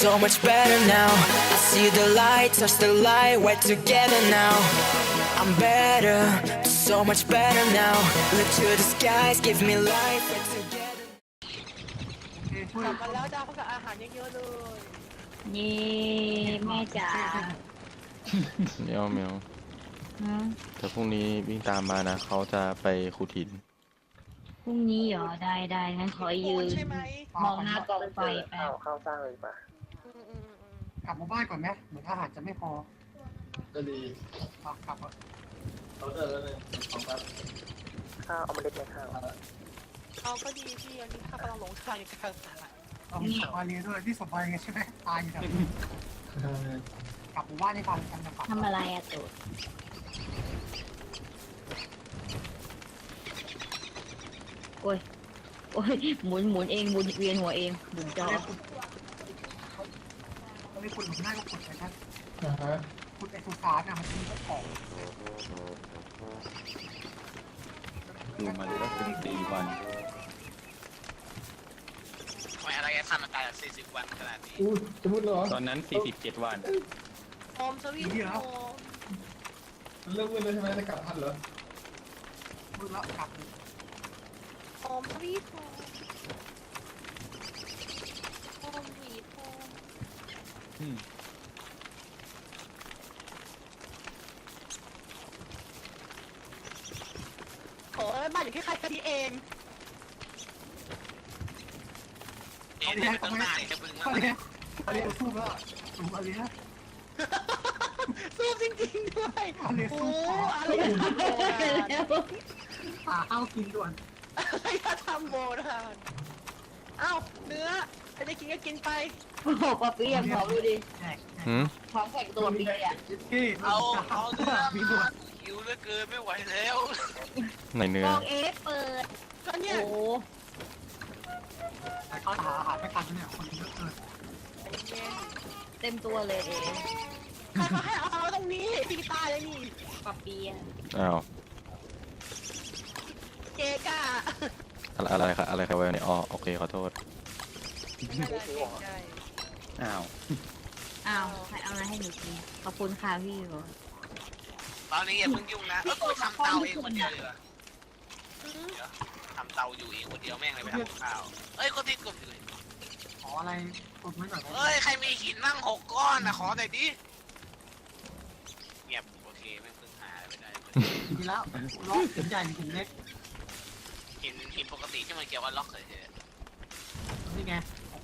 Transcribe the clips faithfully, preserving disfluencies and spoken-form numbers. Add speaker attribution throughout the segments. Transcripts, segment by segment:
Speaker 1: so much better now. I see the light, touch the light, we're together now. I'm better, so much better now. Look to the skies, give me life, we're together.
Speaker 2: กลับมาแล้วจ้าพวกอาหารเยอะๆเลย
Speaker 3: เย่แม่จ๋า
Speaker 4: เมียวเมียว
Speaker 3: ฮะ
Speaker 4: แต่พรุ่งนี้วิ่งตามมานะเขาจะไปขุดหิน
Speaker 3: พรุ่งนี้เหรอได้ได้งั้นขอยืน
Speaker 2: ใช่ไหม
Speaker 3: มองหน้ากองไฟแป๊บ
Speaker 5: ข้าวสร้างเลยป่ะ
Speaker 2: อืมอืมอืม
Speaker 6: กลับมาบ้านก่อนไหมเหมือนอาหารจะไม่พอ
Speaker 5: ก็ดี
Speaker 6: อ่ะกลับอ่ะ
Speaker 5: เขาเดินแล้วเลยของครับข้าวเอามาเล็ดไหมข้าว
Speaker 2: เอาก็ดีพี่อันนี้ข้ากำลังหลงทางอยู่กลางตลาด
Speaker 6: เรามีสบายเลยด้วยที่สบายไงใช่ไหมตายอยู่แบบกลับหมู่บ้านให้ทันกันนะครับ
Speaker 3: ทำอะไรอะตูดโอ้ยโอ้ยหมุนหมุนเองหมุนเวียนหัวเองหมุนจอ
Speaker 6: เขาไม่คุณหลุมหน้าก็ขุดเลยนะขุดไอ้สุสานอ่ะมันมีเจ้าของ
Speaker 7: ดูมันก็สิบสี่วัน
Speaker 8: ทำไมอะไรทำมันตายแบบสี่สิบวันขนาดนี้
Speaker 5: อู้จะมุดเหรอ
Speaker 7: ตอนนั้นสี่สิบเจ็ดวัน
Speaker 2: โอมสวีทโอม
Speaker 5: เลิกมืดเลยใช่ไหมจะกลับทันเหรอ
Speaker 6: มือละกลับ
Speaker 2: โอมสวีทโอมโอมสวีทโอม
Speaker 7: อืม
Speaker 2: โอ้ยบ้านอยู่แค่ใครกันที่เอง
Speaker 8: เอ๊ะเนี่ยมันต้องหน้าเนี่ยจะบึ้ง
Speaker 6: ก็
Speaker 8: มาก
Speaker 6: เลยก็เลยสู้แล้วสูงอะไรนะ
Speaker 2: สู้จริงๆด้วย
Speaker 6: ก็เลย
Speaker 2: โอ้
Speaker 6: สู้
Speaker 2: อะไรจะทำโบราณ
Speaker 6: หาข้าวกินด่วน
Speaker 2: อะไรจะทำโบราณเอ้าเนื้อใครจะกินก็กินไป
Speaker 3: โอ้โหปะเปียกขอดูดิ
Speaker 6: แจก
Speaker 4: หืม
Speaker 3: พร้อมแข่งตัวเปียกอ่ะ
Speaker 6: เก้
Speaker 8: เอาเอาเนื้อ
Speaker 6: มีด่ว
Speaker 8: มาน หิวเหลือเกินไม่ไหวแล้ว
Speaker 4: ไหนเนื้
Speaker 3: ก
Speaker 4: อ
Speaker 3: องเอฟเปิด
Speaker 2: ก็
Speaker 3: โอ้
Speaker 2: เนี่ย
Speaker 3: โห
Speaker 6: แต่เขาหาอาหารไม่ทันเนี่ยคนเยอะเกิน
Speaker 3: เต็มตัวเลยเอ
Speaker 2: ใครเขาให้เอาเอาตรงนี้พี่ตายเลยนี่
Speaker 3: ปะเปียก
Speaker 4: อ้าว
Speaker 2: เจก้า
Speaker 4: อะไรอะไรครับอะไรครับเวลเนี่ยอ๋อโอเคขอโทษ
Speaker 2: ไม่เป็นไรเกรงใจ
Speaker 7: อ้าว
Speaker 3: อ้าวใครเอาอะไรให้หนูกินขอบคุณค่ะพี่โร
Speaker 8: ตอนนี้อย่าเพิ่งยุ่งนะเออกูทำเตาเองคนเดียวเลยเหรอ
Speaker 2: อืม
Speaker 8: เดี๋ยวทำเตาอยู่เองคนเดียวแม่งเลยไปทำกับข้าวเอ้ยคนที่กลุ่มอยู่เลย
Speaker 6: ขออะไรกดไว้หน่อย
Speaker 8: เอ้ยใครมีหินมั่งหกก้อนนะขอหน่อยดิเงียบโอเคไม่เพิ่งหาไม่ได้
Speaker 6: ดีแล้วล็อกหินใหญ่หินเล็ก
Speaker 8: หินหินปกติที่มันเกี่ยวกับล็อกเฉย
Speaker 6: นี่ไง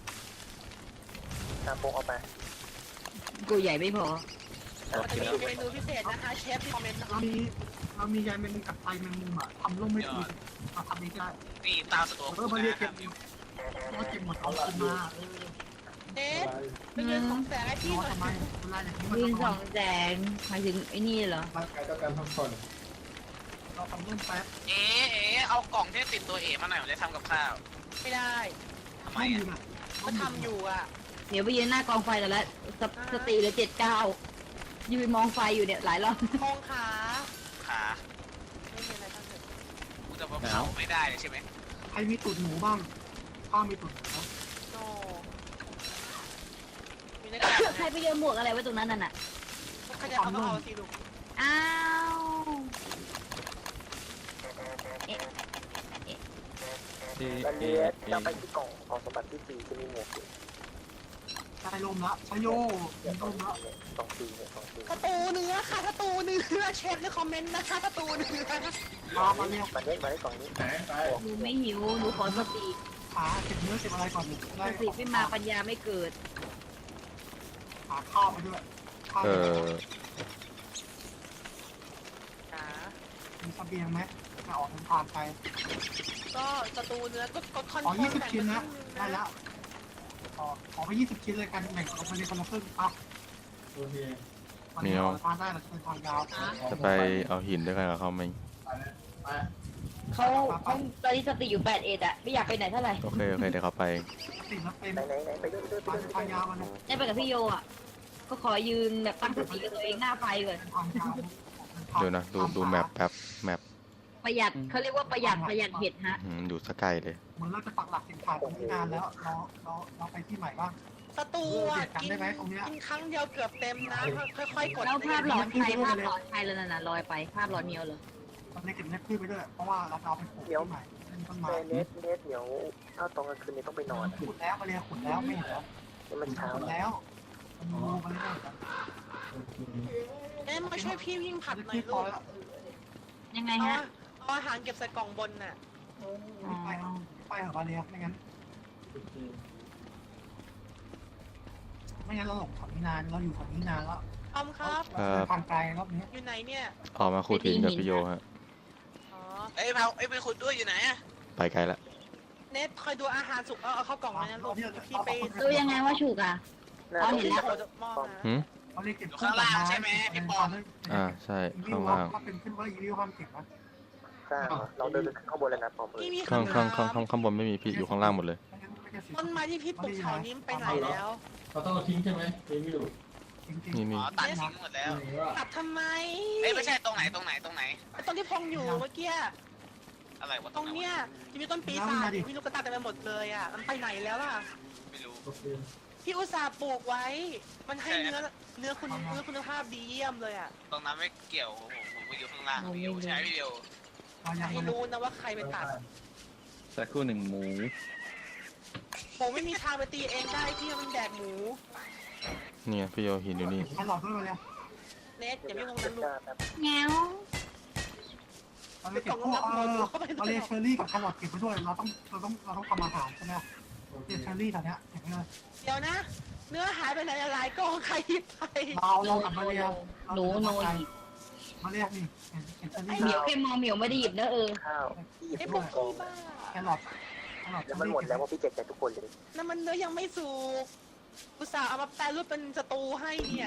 Speaker 5: ตามโปงเอาไป
Speaker 3: กูใหญ่ไม่พอ
Speaker 2: มันจะมีเมนูพิเศษนะคะเชฟที่คอมเมนต์นะ
Speaker 6: เรามีเรามียายแมงมุมกับไฟแมงมุมอ่ะทำร่มไม่ถูกมาทำนี้ได้
Speaker 8: ๆนี่ตามสะดวก
Speaker 6: เออมาเรียกเก็บมาเก็บหมดเอาขึ้นมาเออ
Speaker 2: เอ๊ะเป็นเงินของแสงไอ้พี่
Speaker 6: รอ
Speaker 2: หน่อย
Speaker 6: ทำไมเวลาอย่างนี้มัน
Speaker 3: ยืนส
Speaker 6: ต้
Speaker 3: อ
Speaker 6: อง
Speaker 3: งแสงหมายถึงไอ้นี่เหรอ
Speaker 5: ร่างกายต้องการพักผ่อน
Speaker 6: เราทำร่มแป๊บ
Speaker 8: เอ๋เอ๋เอากล่องที่ติดตัวเอ๋มาหน่อยผมจะทำกับข้าว
Speaker 2: ไม่ได้
Speaker 8: ทำไม
Speaker 6: ร่มอ
Speaker 8: อ่ะ
Speaker 6: ยู่น่ะ
Speaker 2: ก็ทำอยู่อ่ะ
Speaker 3: เดี๋ยวไปยืนหน้ากองไฟแต่ละสตสติเหลือเจ็ดเก้ายืนมองไฟอยู่เนี่ยหลายรอบ
Speaker 2: มองขา
Speaker 8: ขา
Speaker 2: ไม่มีอะไรทั้งสิ้น
Speaker 8: กูจะมาเผาไม่ได้เลยใช่ไหม
Speaker 6: ใครมีตุ่นหมูบ้างข้าวมีตุ่นหมู
Speaker 2: โนมีหน้ากาก
Speaker 3: ใครไปโยนหมวกอะไรไว้ตรงนั้นน่ะน่ะ
Speaker 2: ใครจะเอาก็เอาสิลูก
Speaker 3: อ้าวเอ๊ะ
Speaker 7: เอ
Speaker 5: แล้ว
Speaker 7: เอ
Speaker 5: เนี้
Speaker 7: เอ
Speaker 5: จะไปที่กล่องของสมบัติที่สี่จะมีหมวกอยู่
Speaker 6: ใช้ลมละใช้โย่มี
Speaker 5: เนี่ยส
Speaker 6: ล
Speaker 5: อง
Speaker 6: มละ
Speaker 5: เนี่ยสองสี่เนี่ยสองสี่
Speaker 2: ประตูเนื้อค่ะประตูเนื้อเชฟในคอมเมนต์นะคะประตูเนื้อ
Speaker 6: พามาเนี่ย
Speaker 5: มันได้มาได้กล่องนี้
Speaker 3: หนูไม่หิวหนูขอสติ
Speaker 6: ขาเก็บเนื้อเก็บอะไรก่อนได้
Speaker 3: สติไม่มาปัญญาไม่เกิด
Speaker 6: หาข้าวไปด้วยข้าว
Speaker 4: เออ
Speaker 2: ขา
Speaker 6: มีเสบียงไหมจะออกเดินทางไป
Speaker 2: ก็ประตูเนื้อก็ก็คอน
Speaker 6: ขอ
Speaker 2: โทร
Speaker 6: ยี่
Speaker 2: ล
Speaker 6: สิบ
Speaker 2: แบ่ง
Speaker 6: ชิ้น
Speaker 2: มา
Speaker 6: นะ
Speaker 2: ครึ่งหนึง
Speaker 6: ได้แล้วขอขอไปยี่สิบชิ้นเลยกันแบ่งกันไปเลยคนละครึ่งอ่ะ
Speaker 5: โอเค
Speaker 6: วันนี้เราทานได้เราจะเป็นทางยาว
Speaker 4: จะไปเอาหินด้วยกันกับเขาไหม
Speaker 5: ไป
Speaker 3: เขาเขาตอนนี้สติอยู่แปดเอ็ดอะไม่อยากไปไหนเท่าไหร่
Speaker 4: โอเคโอเคเดี๋ยวเขาไป
Speaker 6: ติดแล้วเป็น
Speaker 5: ไหนไหนไหนไปด้วยไปด้วยไป
Speaker 6: ทาง
Speaker 5: ด้วย
Speaker 6: ทางยาวมัน
Speaker 3: ได้ไปกับพี่โยอะก็ขอยืนแบบตั้งสติกับตัวเองหน้าไฟก่อน
Speaker 6: เป็นทางยาว
Speaker 4: เดี๋ยวนะดูดูแมปแป๊บแมป
Speaker 3: ประหยัดเขาเรียกว่าประหยัดประหยัดเห็ดฮะ
Speaker 4: อืมอยู่สกายเลย
Speaker 6: เหมือนเราจะปักหลักเข็มขัดตรงนี้นานแล้วเราเราเราไปที่ใหม่บ้าง
Speaker 2: ศัตรูอ่ะ
Speaker 6: เออ
Speaker 2: กิน
Speaker 6: จำได้ไหมตรงเนี้ย
Speaker 2: กินครั้งเดียวเกือบเต็มนะค่อยๆกด
Speaker 3: แล้วภาพหลอนใครภาพหลอนใครแล้วน่ะลอยไปภาพหลอนเมียวเลย
Speaker 6: ตอนนี้เก็บเล็บพืชไปด้วยเพราะว่าเราจะเอาไปปลูกที่ใหม่เป็นต้นไม้
Speaker 5: แต่เนสเนสเดี๋ยวถ้าตอนกลางคืนนี้ต้องไปนอนอะ
Speaker 6: ขุดแล้วมาเรียขุดแล้วไม่เห็นแล้ว
Speaker 5: นี่มันเช้า
Speaker 6: ขุด
Speaker 5: แล้ว
Speaker 6: แล้วมันรูมาเรื่อย
Speaker 2: เอ๊ะมาช่วยพี่วิ่งผัด
Speaker 6: ๆ
Speaker 2: หน่อย
Speaker 6: พ
Speaker 2: ลู
Speaker 6: อก แล้ว
Speaker 3: ยังไง
Speaker 2: เอา
Speaker 3: ฮะ
Speaker 2: เอาอาหารเก็บใส่กล่องบนน่ะ
Speaker 6: ไปไปเหรอมาเรียไม่งั้นไม่งั้นเราหลงฝั่งนี้นานเราอยู่ฝั่งนี้นานแล้ว
Speaker 2: ออมครับ
Speaker 4: ครับ
Speaker 6: ทางไกลรอบนี้
Speaker 2: อยู่ไหนเนี่ย
Speaker 4: ออกมาขุดหินกับพี่โยฮะ
Speaker 2: อ๋อ
Speaker 8: เอ้ยเผาเอ้ยไปขุดด้วยอยู่ไหนอะ
Speaker 4: ไปไกลละ
Speaker 2: เนทคอยดูอาหารสุกเอาเอาเข้ากล่องเลยนะลูกพี่ไป
Speaker 3: ดูยังไงว่าฉุกอ่ะ
Speaker 5: น่า
Speaker 3: อ๋อ
Speaker 5: จะ
Speaker 3: เห็นแล้ว
Speaker 2: โอ้จะมองนะ
Speaker 4: หืม
Speaker 6: เขาเรียกเก็บ
Speaker 4: อ่าใช่ข้างล่าง
Speaker 6: ถ้าเป็นขึ้นว่าอีวิวความเก็บนะ
Speaker 5: สร้างอะเราเดินไปขึ้นข้างบนแล้วนะปอมเอ
Speaker 2: พี่
Speaker 5: ย
Speaker 2: มี
Speaker 4: ข้าง
Speaker 2: คำ
Speaker 4: ข้าง
Speaker 2: ถา
Speaker 4: ข้างข้าง
Speaker 2: ม
Speaker 4: ข้างบนไม่มีพี่อยู่ข้างล่างหมดเลย
Speaker 2: ต้นไม้ที่พี่ปลูกแถวนี้มันไปไหนแล้ว
Speaker 9: เราต้องเอาทิ้งใช่ไหมทิ้งไม่อยู่
Speaker 6: จริง
Speaker 4: นี่
Speaker 8: อ๋
Speaker 4: นี่
Speaker 8: อตัดทิ้งหมดแล้ว
Speaker 2: ตัดทำไม
Speaker 8: เอ้ยไม่ใช่ตรงไหนตรงไหนตรงไหน
Speaker 2: ตรงที่พงอยู่เมื่อกี้
Speaker 8: อะไรวะ
Speaker 2: ตรงเนี้ยที่มีต้นปีศาจมีลูกกระตายเต็มไปหมดเลยอ่ะมันไปไหนแล้วล่ะ
Speaker 8: ไม่รู้
Speaker 9: โอเค
Speaker 2: พี่อุตส่าห์ปลูกไว้ มันให้เนื้อเนื้อคุณเนื้อคุณภาพดีเยี่ยมเลยอ่ะ
Speaker 8: ตรงนั้นไม่เกี่ยวผมผมไปอยู่ข้างล่างพี่อยู่ใช่ไหมพี่เดียว
Speaker 6: ๆเรายัง
Speaker 2: ให้รู้นะว่าใครไปตัด
Speaker 7: สักครู่หนึ่งหมู
Speaker 2: ผมไม่มีทางไปตีเองได้พี่มันแดกหมู
Speaker 4: เนี่ยพี่โยหินอยู่นี่
Speaker 6: แครอทด้วยมาเลย
Speaker 2: เนทอย่าไม่งง
Speaker 5: เก็
Speaker 2: นะ
Speaker 5: บ
Speaker 2: ลู
Speaker 5: ห
Speaker 2: ก
Speaker 5: น้าแป๊บ
Speaker 3: แงว
Speaker 6: เราเลยเก็บพวกเออเราเลยเชอร์รี่กับแครอทเก็บไปด้วยเราต้องเราต้องเราต้องทำอาหารใช่ไหมเก็บเชอร์รี่ตอนเนี้ยเก็บไปเลย
Speaker 2: เดี๋ยวนะ เนื้อหายไปไหนหลายกองใครหยิบไป
Speaker 6: เราเรากับมาเรีย
Speaker 3: หนูโนหยิบ
Speaker 6: มาเรียนี่เก็บเชอร์
Speaker 3: ไอ
Speaker 6: รี่
Speaker 3: เหมียวแค่มองเหมียวไม่ได้หยิบนะเออ
Speaker 5: ข้าวที่หยิบ
Speaker 2: ไอ้
Speaker 5: ไป
Speaker 2: พวก
Speaker 5: กอง
Speaker 2: พี่บ้า
Speaker 6: แครอทแครอท
Speaker 5: แล้วมันหมดแล้วว่าพี่เจ็บใจทุกคนเลย
Speaker 2: นั่นมันเนื้อยังไม่สุกอุตส่าห์เอามาแปรรูปเป็นสตูให้เนี่ย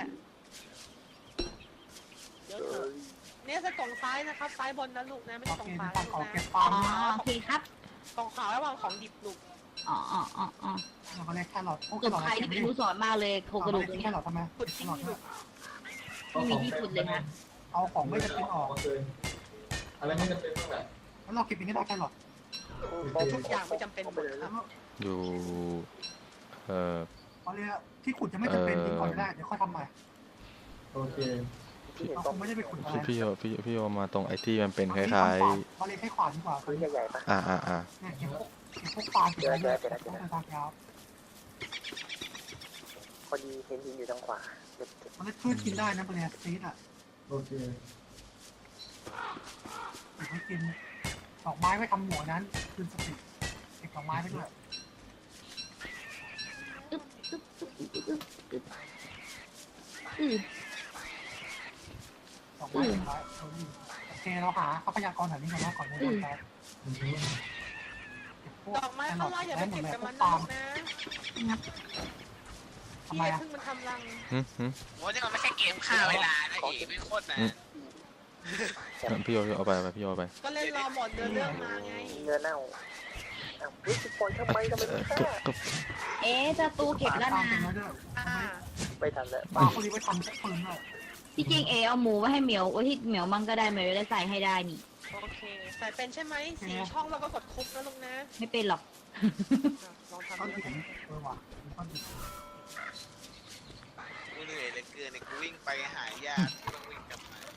Speaker 2: เดี๋ยวเถอะเนี่ยจะกล่องซ้ายนะครับ ซ้ายบนนะลูกนะไม่
Speaker 6: โอ
Speaker 2: ใช่กล่อง
Speaker 6: เค
Speaker 2: ซ้าย
Speaker 6: ฝั่ง
Speaker 2: ลูก
Speaker 6: ของ
Speaker 2: นะ
Speaker 6: เก็บ
Speaker 3: อ๋
Speaker 6: ฟา
Speaker 3: อ
Speaker 6: ร์ม
Speaker 3: โอเคครับ
Speaker 2: กล่องขาวระหว่างของดิบลูก
Speaker 3: อ๋ออ๋ออ๋ออ๋อ
Speaker 6: เราก็เรียกแครอทพวก
Speaker 3: กบใครที่เป็นผู้สอนมากเลยโครงกระดูกตรง
Speaker 6: แค
Speaker 3: เนี้ย
Speaker 6: รอททำไม
Speaker 2: ขุดทิ้งลูก
Speaker 3: ไม่มีที่ขุดเลยนะ
Speaker 6: เอาของไม่จำเป็นออก
Speaker 9: อะไรไม่จำเป็นต้องแบบ
Speaker 6: แล้วเราเก็บอย่างนี้ได้แครอท
Speaker 5: ปอม
Speaker 2: ทุกอย่างไม่จำเป็นหมดครับ
Speaker 4: อยู่เอ่อ
Speaker 6: มาเรียที่ขุดจะไม่จำเป็นทิ้งก่อนก็ได้เดี๋ยวค่อยทำใหม่
Speaker 9: โอเค
Speaker 5: ที่เห็น
Speaker 6: เรา
Speaker 5: ป
Speaker 6: ค
Speaker 5: อม
Speaker 6: งไม่ได้ไปขุดอะไร
Speaker 4: พี่พี่โยพี่พี่โยมาตรงไอ้ที่มันเป็นคล้าย
Speaker 6: มาเรียให้ขวานดีกว่า
Speaker 5: พื้นใหญ่ๆปะ
Speaker 4: ๆอ่าอ่าอ่า
Speaker 6: เนี่ยเก็บพวกเก็บพวกปลาเก็บอะไรเนี่ยต้องไปทางยาว
Speaker 5: พอดีเห็นหินอยู่ทางขวาเก็บเก็บ
Speaker 6: มันพืชกินได้นะมาเรียซีดอ่ะ
Speaker 9: โอเค
Speaker 6: เก็บไว้กินดอกไม้ไว้ทำหมวกนั้นคืนสติเก็บดอกไม้ไปด้วย
Speaker 3: อึ๊บอึ๊บอึ๊บอึ๊บอึ๊บอึ๊บอือ
Speaker 6: ดอกไม้เป็นไรโอเคเราหาทรัพยากรแถวนี้ก่อนนะก่อนจะโดนแพ้เก็บพวก
Speaker 2: ดอกไม้ข้างล่างอย่าไป
Speaker 6: หม
Speaker 2: เก็
Speaker 6: ด
Speaker 2: บ
Speaker 6: เลย
Speaker 2: กับ
Speaker 6: พว
Speaker 2: มั
Speaker 6: ก
Speaker 2: น
Speaker 6: ปา
Speaker 2: นะ
Speaker 6: ล์ม
Speaker 2: ลูกนะ
Speaker 6: ทำไม
Speaker 2: พี่
Speaker 6: อ่ะ
Speaker 2: เพิ่งมันทำรัง
Speaker 4: หืมหืม
Speaker 8: โอ้ยนี่มันไม่ใช่เกมฆ่าเวลานะเอ๋ไม่โคตรนะ
Speaker 4: พี่โยพี่โยเอาไปเอาไปพี่โยเอาไป
Speaker 2: ก็เล่นรอหมดเนื้อเรื่องมาไง
Speaker 5: เนื้อเน่าอ้าวเฮ้ยปล่อยทำไมทำไม
Speaker 4: เอ่
Speaker 5: ไม่
Speaker 4: อ
Speaker 5: ฆ่า
Speaker 4: ตุ๊บตุ๊บ
Speaker 3: เอ๊ะจะตูเก็บแล้ว
Speaker 6: ปา
Speaker 3: นะ
Speaker 6: ล์มเป็นไว้ด้วย
Speaker 2: อ่า
Speaker 5: ไปทันแล้ว
Speaker 6: ปลาคนนี้ไว้ทำเชื้อเพลิงด้วย
Speaker 3: ที่จริงเอเอาหมูไว้ให้เหมียวไว้ที่เหมียวมั่งก็ได้เหมียวจะได้ใส่ให้ได้นี่
Speaker 2: โอเคใส่เป็นใช่ไหมสีช่องเราก็กดคุกนะลูกนะ
Speaker 3: ไม่เป็นหรอก
Speaker 2: ลองทำ
Speaker 6: ต้น
Speaker 2: ดู
Speaker 6: หินเออว่ะต้นหิน
Speaker 8: กูเหนื่อยเหลือเกินเนี่ยกูวิ่งไปหายากูต้องวิ่งกลับมา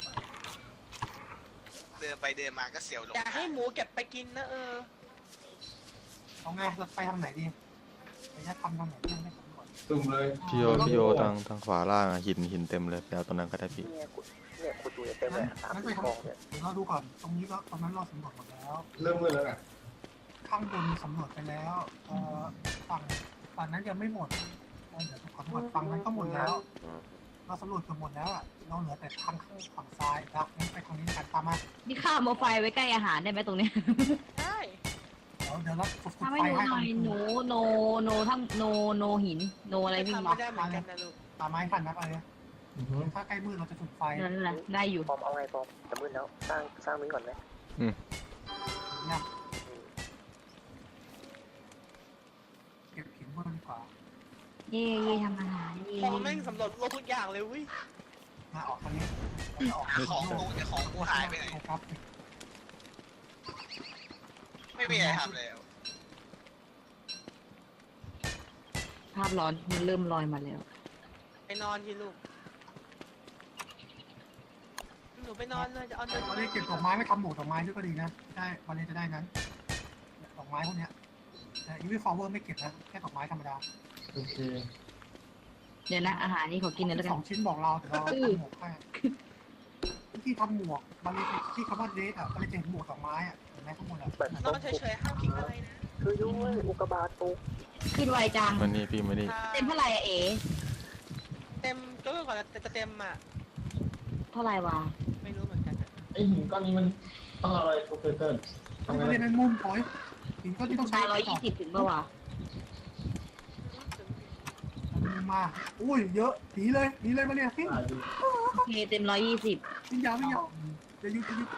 Speaker 8: เดินไปเดินมาก็เสียวหลง
Speaker 2: อย่าให้หมูเก็บไปกินนะเออ
Speaker 6: เอาไงเราไปทางไหนดีไปจะทำทางไหนที่ยังไม่สำรวจ
Speaker 9: ตุ่มเลย
Speaker 4: พี่โยพี่โยทางทางขวาล่างอะหินหินเต็มเลยไปเอาตรงนั้นก็ได้พี่
Speaker 5: เนี่ยขุดเนี่ยขุดดูเต็มเลยสาม
Speaker 6: งั้นไป
Speaker 5: สี่
Speaker 6: ทาง
Speaker 5: กองเนี่ย
Speaker 6: เดี๋ยวเราดูก่อนตรงนี้ก็ตรงนั้นเราสำรวจหมดแล้ว
Speaker 9: เริ่มมืดแล้วอ่ะ
Speaker 6: ข้างบนสำรวจไปแล้วเอ่อฝั่งฝั่งนั้นยังไม่หมดเดี๋ยวขอตรวจฝั่งนั้นก็หมดแล้ว เราสำรวจเกือบหมดแล้วอ่ะเราเหลือแต่ทางข้างฝั่งซ้ายนะงั้นไปทางนี้กันตามมา
Speaker 3: นี่ข้าวมาไฟไว้ใกล้อาหารได้ไหมตรงเนี้ย
Speaker 2: ได้
Speaker 6: เดี๋ยวเดี๋ยวเราฝึก
Speaker 3: ทำ
Speaker 6: ไฟ
Speaker 3: ให้หนู
Speaker 6: ให้
Speaker 3: หน่อย
Speaker 6: ตรง
Speaker 3: หนูโนโนทั้งโนโนหินโนอะไรวิ่ง
Speaker 2: ทำ
Speaker 3: มา
Speaker 2: ไม่ได้เหมือนกันนะลูก
Speaker 6: ตามไม้ทันนะไปเลยถ้าใกล้มืดเราจะจุดไฟ
Speaker 3: นั่นแหละได้อยู่
Speaker 5: ปอมเอาไงปอมจะมืดแล้วสร้างสร้างนี้ก่อนไหม
Speaker 6: เนี่ยเก็บหินมืดดีกว่า
Speaker 3: เย่เย่ทำอาหารเย่
Speaker 2: พอแม่งสำรวจโลกทุกอย่างเลยวิ
Speaker 6: มาออกทางนี้ออก
Speaker 8: หาของกูแต่ของกูหายไปไหน
Speaker 6: ครับ
Speaker 8: ไม่มีอะไรทำแล้ว
Speaker 6: ท
Speaker 3: ภาพร้อนมันเริ่มลอยมาแล้ว
Speaker 2: ไปนอนทีลูกหนูไปนอนเลยจะเอาเดิน
Speaker 6: บาเลียเก็บดอกไม้ไม่ทำหมวกดอกไม้ด้วยก็ดีนะได้บาเลียจะได้นั้นดอกไม้พวกเนี้ยแต่อีวิฟลาวเวอร์ไม่เก็บนะแค่ดอกไม้ธรรมดา
Speaker 9: โอเค
Speaker 3: เดี๋ยวนะอาหารนี่ขอกินหน่อยแล้วกั
Speaker 6: ส
Speaker 3: น
Speaker 6: องชิ้นบอกเราแต่เราทำหมวกให้ที่ทำหมวกบาเลียที่คำว่าเดทอ่ะบาเลียจะเห็นหมวกดอกไม้อ่ะเห็นไหมข้างบนอ่ะ
Speaker 5: แบบ
Speaker 2: นอนเฉยๆห้ามคิดอะไรนะ
Speaker 5: ช่วยด้วยอุกกาบาตตก
Speaker 3: ขึ้นไวจัง
Speaker 4: มันนี่พี่มานี่
Speaker 3: เต็มเท่าไหร่อะเอ๋
Speaker 2: เต็มก็ก่อนแต่จะเต็มอ่ะ
Speaker 3: เท่าไหร่วะ
Speaker 2: ไม่รู้เหมือนกันอะ
Speaker 9: ไอหินก้อนนี้มันต้องอะไรโปรเฟสเตอร์
Speaker 6: บาเลียเป็นมุมปล่อยหินก็ที่ต้องใช้
Speaker 3: ตายร้อยยี่สิบถึงเมื่อวะ
Speaker 6: มาอุ้ยเยอะหนีเลยหนีเลยบาเลียทิ้ง
Speaker 9: อ่าดี
Speaker 3: โอเคเต็มร้อยยี่สิบ
Speaker 6: ทิ้งยาวไม่ยาวจะยุดจะยุด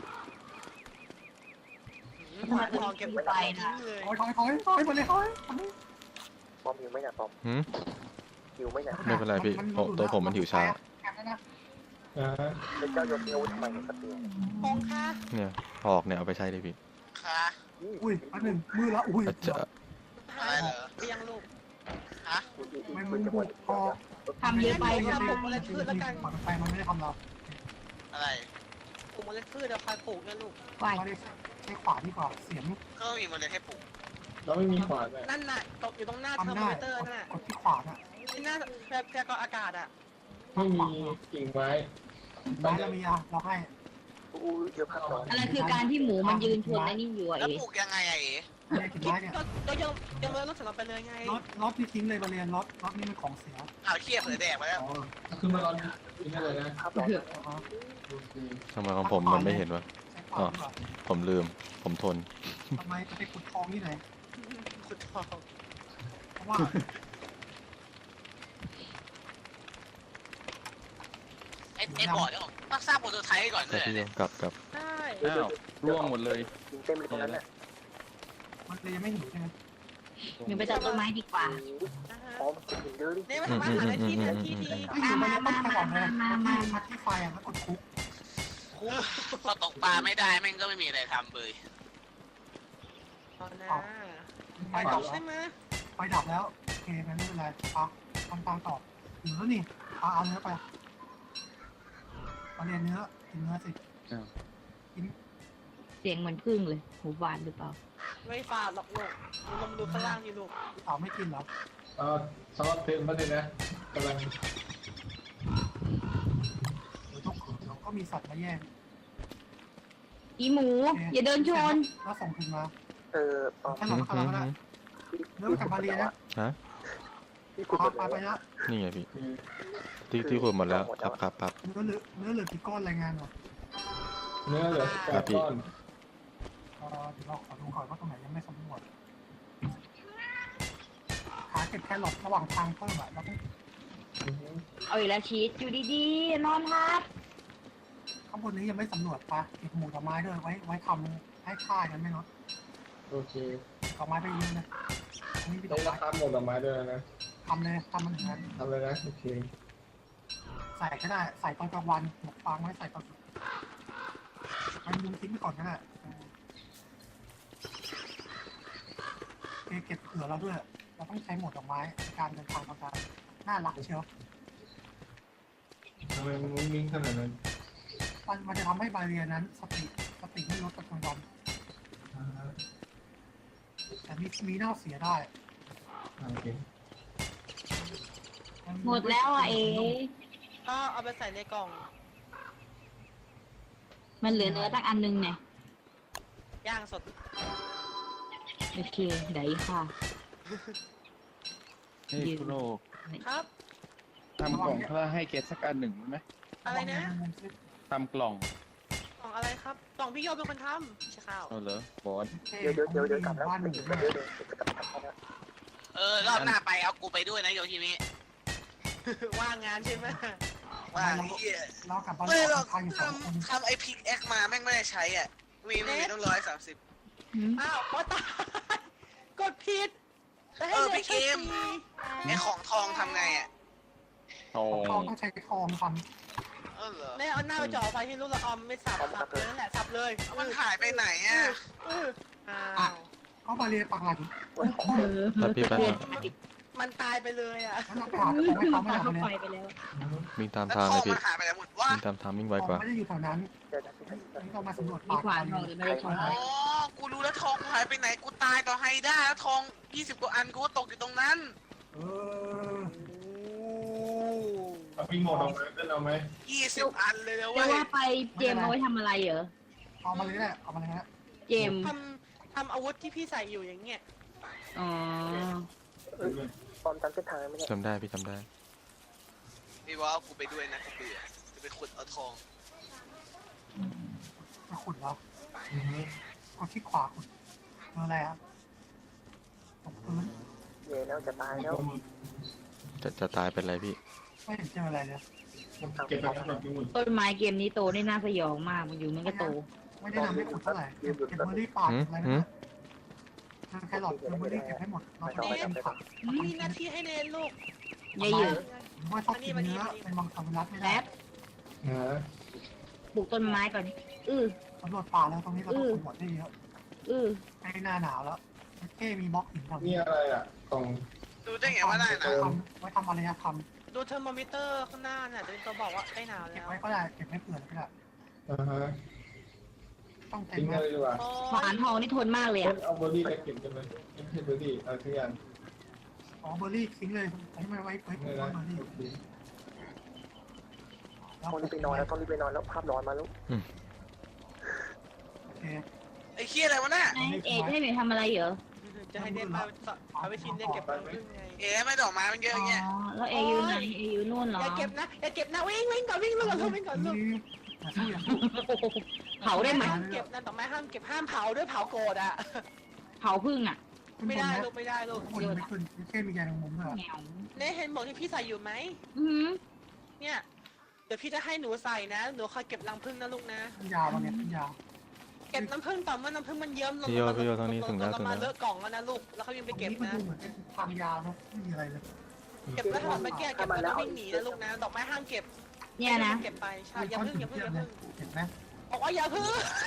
Speaker 2: หวานทองเก็บไว้ทิ้งเลย
Speaker 6: ถอยถอยถอยถอยบาเลียถอย
Speaker 5: ปอมหิวไหมเนี่ยปอม
Speaker 4: หืม
Speaker 5: หิวไหมเนี่ย
Speaker 4: ไม่เป็นไรพี่โอ้ตัวผมมันหิวช้า
Speaker 6: แอบนะ
Speaker 9: อ่า
Speaker 5: แล้วเจ้าโยนอาวุธทำไมเนี่ยสเตียง
Speaker 2: พงค่ะ
Speaker 4: เนี่ยหอกเนี่ยเอาไปใช้เลยพี่
Speaker 8: ค่ะ
Speaker 6: อุ้ยอันหนึ่งมือละอุ้ย
Speaker 4: อาจจะ
Speaker 8: อะไรเหรอ
Speaker 2: เรียงลูก
Speaker 8: ฮะ
Speaker 6: มันมือบุกพอ
Speaker 3: ทำเยอะไป
Speaker 6: ไปมันไม่ได้ทำเรา
Speaker 8: อะไร
Speaker 2: ปลูกเมล็ดพืชเดี๋ยวคอยปลูกนะลูก
Speaker 3: ไหว
Speaker 6: เราได้ใช้ขวาดีกว่าเสียง
Speaker 8: ก็มีเมล็ดให้ปลูก
Speaker 9: เราไม่มีขวานเลย
Speaker 2: นั่นน่ะตกอยู่ตรงหน้าเทอ
Speaker 6: ทำ
Speaker 2: ร์โม
Speaker 6: ได้
Speaker 2: มิเตอร์นั่นน่ะ
Speaker 6: กดที่ขวาน่ะ
Speaker 2: ที่หน้าพยากรณ์อากาศอ่ะ
Speaker 9: ไม่มีกิ่งไม้
Speaker 6: ไม้เรามีอ่ะเราให้
Speaker 5: อู้เยอะมากเลย
Speaker 3: อะไรคือการที่หมูมันยืนชนไอ้นี่อยู่อะ
Speaker 8: แล้ว
Speaker 3: เอ๋
Speaker 8: ปลูกยังไงอะเอ๋
Speaker 6: เรียกกินไม้เนี่ย
Speaker 2: ก็ยังยังเลยรถสำหรับไปเลยไง
Speaker 6: รถรถที่ทิ้งเลยมาเรียนรถรถนี่มันของเสีย
Speaker 8: เอาเขี้ยเผือแดกไปแล้ว
Speaker 6: อ๋อ
Speaker 9: คือมันร้อนกินได้เลยนะ
Speaker 5: ภาพร้อนนะ
Speaker 9: โอเค
Speaker 4: ทำไมของผมมันไม่เห็นวะ
Speaker 6: ใช้ขวาดีกว่า
Speaker 4: ผมลืม ผมทน
Speaker 6: ทำไมจะไปขุดทองที่ไหน
Speaker 2: ขุดทอง
Speaker 6: เพราะว่า
Speaker 8: ไอ้ไอ้ก่อนเนี่ยต้องสร้างโปรโตไทป์ก่อน
Speaker 4: กลั
Speaker 8: เล
Speaker 4: บ
Speaker 8: ย
Speaker 4: พี่โย
Speaker 8: เนี่ย
Speaker 4: กลับกลับ
Speaker 2: ได้
Speaker 7: อ้าวร่วงหมดเลย
Speaker 5: ยิงเต็มเลยตรงนั้นน่ะ
Speaker 6: มันเลยยังไม่หิวใช่ไหม
Speaker 3: หนูไปจับต้นไม้ดีกว่า
Speaker 2: นะฮะ
Speaker 5: ปอมกินหินเยอะดิ
Speaker 2: นี่มาทำอาหารในที่เหนือที่ดี
Speaker 6: ไม่หิวมันต้องไปก่อนเลยมาที่ไฟอ่ะแล้วกดคุก
Speaker 8: พอตกปลาไม่ได้แม่งก็ไม่มีอะไรทำเลย
Speaker 2: ตอนนะ
Speaker 6: ไฟ
Speaker 2: ไป
Speaker 6: ดั
Speaker 2: ต่
Speaker 6: บ
Speaker 2: อใช่ไหม
Speaker 6: ไฟดับแล้วโอเคงั้นไม่เป็นไรอ่ะทำตามต่อหิวแล้วนี่เอาเอาเนื้อไปมาเรียนเนื้อกินเนื้อสิ
Speaker 3: เสียงเหมือนพึ่งเลยหูหวานหรือเปล่า
Speaker 2: ไม่ฝาดหรอกลูกลงดูข้างล่างนี่ลูก
Speaker 6: สาวไม่กินเหรอ
Speaker 9: เออสำหรับเต็มมาเลยนะกำลัง
Speaker 6: เดี๋ยวต้องขืนเดี๋ยวก็มีสัตว์มาแย่ง
Speaker 3: อีหมู อย่าเดินชน
Speaker 6: แล้วส่งคืนมา
Speaker 5: เออปอม
Speaker 6: แค่หลอดก็แล้วก็ได้เนื้อมาจากมาเรียนนะ
Speaker 4: ฮะ
Speaker 5: ที่ขุด
Speaker 6: พา
Speaker 5: หมด
Speaker 6: ไป
Speaker 5: เลย
Speaker 6: ไปละ
Speaker 4: นี่ไงพี่ ที่ที่ขุดหมดแล้วครับครับครับ
Speaker 6: เนื้อเหลือเนื้อเหลือกี่ก้อนรายงานหน่อย
Speaker 9: เนื้อเหลือแปดก้อน
Speaker 6: เอ่อเดี๋ยวเราขอดูก่อนว่าตรงไหนยังไม่สำรวจหาเก็บแครอทระหว่างทางเพิ่มอ่ะเราต้อง
Speaker 3: เอาอีกแล้วชีสอยู่ดีๆ นอนทับ
Speaker 6: ข้างบนนี้ยังไม่สำรวจปะเก็บหมูดอกไม้ด้วยไว้ไว้ทำให้ค่ากันไม่ลด
Speaker 9: โอเค
Speaker 6: ดอกไม้ไปเยอะนะอันนี้มีด
Speaker 9: ได้
Speaker 6: อก
Speaker 9: รา
Speaker 6: ไม้
Speaker 9: คาหมดดอกไม้ด้วยนะ
Speaker 6: ทำเลยทำมันอย่างนั้น
Speaker 9: ทำเลยนะโอเค
Speaker 6: ใส่ก็ได้ใส่ตอนกลางวันหมกฟางไว้ใส่ตอนมันยุงทิ้งไปก่อนก็ได้เออเก็บเผื่อเราด้วย เราต้องใช้หมดดอกไม้ในการเดินทางต่างๆน่ารักเชียว
Speaker 9: ทำไมมันมุ้งมิ้งขนาดนั้น
Speaker 6: มันมันจะทำให้บาเรียนั้นสติสติไม่ลดกับกลางวันแต่มีมีเน่าเสียได้
Speaker 9: โอเค
Speaker 3: หมดแล้วอ่ะเอ๋
Speaker 2: ก็เอาไปใส่ในกล่อง
Speaker 3: มันเหลือเนื้อตั้งอันนึงเนี่ย
Speaker 2: ย่างสด
Speaker 3: โอเคได้ค่ะ
Speaker 7: เฮ้ยคุณโล
Speaker 2: ครับ
Speaker 7: ทำกล่องถ้าให้เกตสักอันหนึ่งไหม
Speaker 2: อะไรนะ
Speaker 7: ทำกล่อง
Speaker 2: กล่องอะไรครับ กล่องพี่โยมเป็นคนทำไม่ใช่ข้าว
Speaker 7: เอาเหรอบอส
Speaker 5: เดี๋ยวเดี๋ยวเดี๋ยวเดี๋ยวกลับแล้ว
Speaker 6: บ้านห
Speaker 5: ไม่
Speaker 6: นึ่ง
Speaker 5: ถึงเดี๋ยวเดี๋ยวจะกลับกลับแล้ว
Speaker 8: เออรอบหน้าไปเอากูไปด้วยนะโยชิมิ
Speaker 2: ว่างงานใช่ไหม
Speaker 8: ว่าเฮีย
Speaker 6: เรากลับบ้าน
Speaker 8: ไม่หรอก
Speaker 6: ทางอยู่สองคน
Speaker 8: ทำทำไอพิกแอคมาแม่งไม่ได้ใช้อ่ะวีมีต้องร้อยสามสิบ
Speaker 2: อ้าวโอ้ตายกดผิดแต่ให้
Speaker 8: เออ
Speaker 2: เหลื
Speaker 8: พี่เกม
Speaker 2: แค่
Speaker 8: ไอของทองทำไงอ่ะ
Speaker 7: ทอง
Speaker 6: ทองต้องใช้ทองท
Speaker 8: เออเหรอ
Speaker 2: ไม่เอาหน้าไปจ่อไฟที่ลูกละออมไม่สับสับเลยนั่นแหละสับเลย
Speaker 8: มันหายไปไหนอ่ะ
Speaker 2: เอออ้าว
Speaker 6: ำเขาบาเรียปักหลัก
Speaker 3: เออ
Speaker 4: แป๊บพี่แป๊บ
Speaker 3: เรียน
Speaker 2: มมันตายไปเลยอ่ะ
Speaker 6: งั้นเราไปหาของให้เขาไม่
Speaker 3: พา
Speaker 6: เอา
Speaker 3: เข้า
Speaker 6: ไป
Speaker 3: ไฟ
Speaker 6: เลย
Speaker 3: ไปแล้ว
Speaker 4: วิ่งตาม
Speaker 8: แล้ว
Speaker 4: ทาง
Speaker 8: ท
Speaker 4: เล
Speaker 8: อย ง
Speaker 4: พี่
Speaker 8: มันหายไปแล้วหมดวะ
Speaker 4: วิ่งตามทางวิ่งไว
Speaker 6: ของ
Speaker 4: กว่า
Speaker 6: ไม่ได้อยู่แถวนั้น
Speaker 5: เดี๋ยวจะไป
Speaker 6: นี่เรามาสำรวจ
Speaker 3: มี
Speaker 6: ป่า
Speaker 3: ขวานทองแต่ไม่ได้ทอง
Speaker 8: อ๋อ กูรู้แล้วทองกูหายไปไหน กูตายต่อไฮด้าแล้วทองยี่สิบกว่าอันกูก็ตกอยู่ตรงนั้น
Speaker 6: เออ
Speaker 9: เอาวิ่งหมดเอาไหมเต้นเอาไหม
Speaker 8: ยี่สิบอันเลยนะ
Speaker 3: จะ
Speaker 8: เว้ย
Speaker 3: ว่าไปเจมเอาไว้ทำอะไรเหรอ
Speaker 6: เอามาเลยแหละเอามาเลยฮะ
Speaker 3: เจม
Speaker 2: ทำทำอาวุธที่พี่ใส่อยู่อย่างเงี้ย
Speaker 3: อ๋อ
Speaker 5: ปอมจำเส้นทางไม่ได้
Speaker 4: จำได้พี่จำได้
Speaker 8: พี่ว่าเอากูไปด้วยนะกูเบื่อจะไปขุดเอาทอง
Speaker 6: มาขุดแล้ว
Speaker 9: อือฮึ
Speaker 6: เอาที่ขวาขุดเจออะไรครับตกพื้น
Speaker 5: เย่แล้วจะตายแล้ว
Speaker 4: จะจะตายเป็นไรพี่
Speaker 6: ไม่เห็นเจออะไรเลย
Speaker 9: เก็บไปทั้งหมดทั้งหมด
Speaker 3: ต้นไม้เกมนี้โตได้น่าสยองมากมันอยู่มันก็โต
Speaker 6: ไม่ได้นำให้ขุดเท่าไหร่เก็บเก็บเบอร์รี่ป่าอะไรนะทางแครอทเก็บเบอร์รี่เก็บให้หมดเราจะได้กินผัก
Speaker 2: มีหน้าที่ให้เนนลูก
Speaker 3: ยายเหยอะ
Speaker 6: หรือว่าชอบกินเนื้อเป็นมังสวิรัตไม่ได้
Speaker 3: แป๊บ
Speaker 9: ฮะ
Speaker 3: ปลูกต้นไม้ก่อนอือ
Speaker 6: สำรวจป่าแล้วตรงนี้เราต้องขุดหมดได้เยอะ
Speaker 3: อือ
Speaker 6: ใกล้หน้าหนาวแล้วเก้มีบล็อกหินทำ
Speaker 9: นี่อะไรอ่ะกล่อง
Speaker 8: ดูได้ไงว่าได้นะ
Speaker 6: ทำไว้ทำอะไรนะท
Speaker 2: ดูเทอร์โมมิเตอร์ข้างหน้าน่ะจะเป็นตัวบอกว่าใกล้หนาว
Speaker 6: ำเก็
Speaker 2: แล้
Speaker 6: บ
Speaker 2: ว
Speaker 6: ไว้ก็ได้เก็บไม่เผื่อก็ได้
Speaker 9: อ่าฮะ
Speaker 6: ต้องเต็ม
Speaker 9: ทิ้ง
Speaker 6: นะ
Speaker 9: เลยดีกว่า
Speaker 2: โอ้
Speaker 3: ขวานทองนี่ทนมากเลย
Speaker 9: เต้
Speaker 3: อะ
Speaker 9: นเอาเบอร์รี่ไปเก็บกันเลยไม่ใช่เบอร์รี่เอาทุกอย่าง
Speaker 6: อ๋อเบอร์รี่ทิ้งเลยให้มันไว้ไว้ปลู
Speaker 9: นี่
Speaker 6: ก
Speaker 9: นะ
Speaker 6: เบอร์รี่
Speaker 5: ต้องรีบไปนอนแล้วต้องรีบไปนอนแล้วภาพร้อนมาลูก
Speaker 6: โอเค
Speaker 8: ไอ้เคี้ยอะไรวะเนี่ย
Speaker 3: เอ๊ะให้หนูทำอะไรเหรอ
Speaker 2: จะให้เนนมาเอาไปชิมเนนเก็บตังค์ด้วยไง
Speaker 8: เอ๊ะไม่ดอกไม้มันเยอะ
Speaker 3: อ๋อ
Speaker 8: แยะ
Speaker 3: แล้วเออยู่ไหนเออยู่นู่นเหรอ
Speaker 2: อย่าเก็บนะอย่าเก็บนะวิ่งวิ่งก่อนวิ่งลูกก่อนลูกวิ่งก่อนลูก
Speaker 6: นี่อย่าสู้อย่าสู้
Speaker 3: เผาได้ไหม
Speaker 2: ห้ามเก็บนะต่อไม้ห้ามเก็บห้ามเผาด้วยเผาโกรธอ่ะ
Speaker 3: เผาพึ่งอ่ะ
Speaker 2: ไม่ได้ลูกไม่ได้ลูก
Speaker 6: คนไม่ขึ้นแค่มีแกงมุมด้วย
Speaker 3: แงว
Speaker 2: เนนเห็นบอกที่พี่ใส่อยู่ไหม
Speaker 3: อือ
Speaker 2: เนี่ยเดี๋ยวพี่จะให้หนูใส่นะหนูคอยเก็บรังผึ้งนะลูกนะ
Speaker 6: ยาววันนี้ยาว
Speaker 2: เก็บน้ำผึ้งต่อเมื่อน้ำผึ้งมันเยิ้มลง
Speaker 4: พี่โยพี่โยตรงนี้ถึงแล้วถึง
Speaker 2: มา
Speaker 4: แล้ว
Speaker 2: เลอะกล่องแล้วนะลูกแล้วเขายังไปเก็บ
Speaker 6: มัน
Speaker 2: นะ
Speaker 6: ดูเหมือนเป็นทางยาวนะไม่มีอะไรเลย
Speaker 2: เก็บแล้วถ้ามันไม่แก้เก็บแล้ววิ่งหนีนะลูกนะดอกไม้ห้ามเก็บ
Speaker 3: เนี่ยนะ
Speaker 2: เก็บไปใช่อย่าเพิ่งอย่าเพิ่งอย่าเพิ่ง
Speaker 6: เห็นไหม
Speaker 2: บอกว่าอย่าเพิ่ง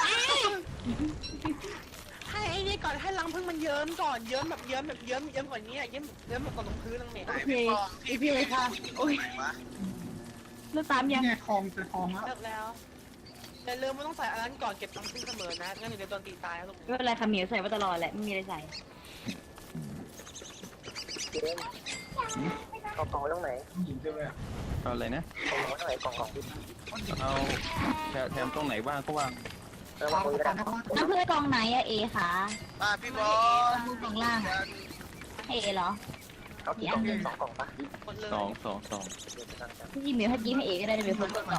Speaker 2: ให้ไอ้นี่ก่อนให้รังผึ้งมันเยิ้มก่อนเยิ้มแบบเยิ้มแบบเยิ้มเยิ้มกว่านี้เยิ้มเยิ้มแบบตกลงพื้นลังเมฆ
Speaker 8: ไหนพี่ปอมพี่พี่เลยค่ะโอ้ยไหนวะ
Speaker 3: แล้วตามยัง
Speaker 6: เนี่ยทองเจอทองแล้ว
Speaker 2: เลิกแล้วแต่ลืมว่าต้องใส่อันนั้นก่อนเก็บรังผึ้งเสมอนะงั้นเดี๋ยวโดนตีตายลูก
Speaker 3: ไม่เป็นไรค่ะเหมียวใส่มาตลอดแหละไม่มีอะไรใส่
Speaker 5: เจมเอากล่องไว้ตรงไหน
Speaker 9: ผู้หญิงใช่ไหม
Speaker 7: เอาอะไรนะ
Speaker 5: กล่องไว้ตรงไหนกล่องของพี่
Speaker 7: เอาแถแถมตรงไหนว่างก็ว่าง
Speaker 5: แล้ววางมือก็ได้
Speaker 3: น้ำพึ่งกองไหนอะเอคะ
Speaker 8: อ่าพี่บอล
Speaker 3: กองล่างให้เอเหรอ
Speaker 5: เอากี่กล่องสองกล่องปะ
Speaker 2: หมดเลย
Speaker 7: สองสองสอง
Speaker 5: เดี๋ยวจะทำกัน
Speaker 3: พี่เหมียวให้ยิ้มให้เอก็ได้เดี๋ยวคนกดต่อ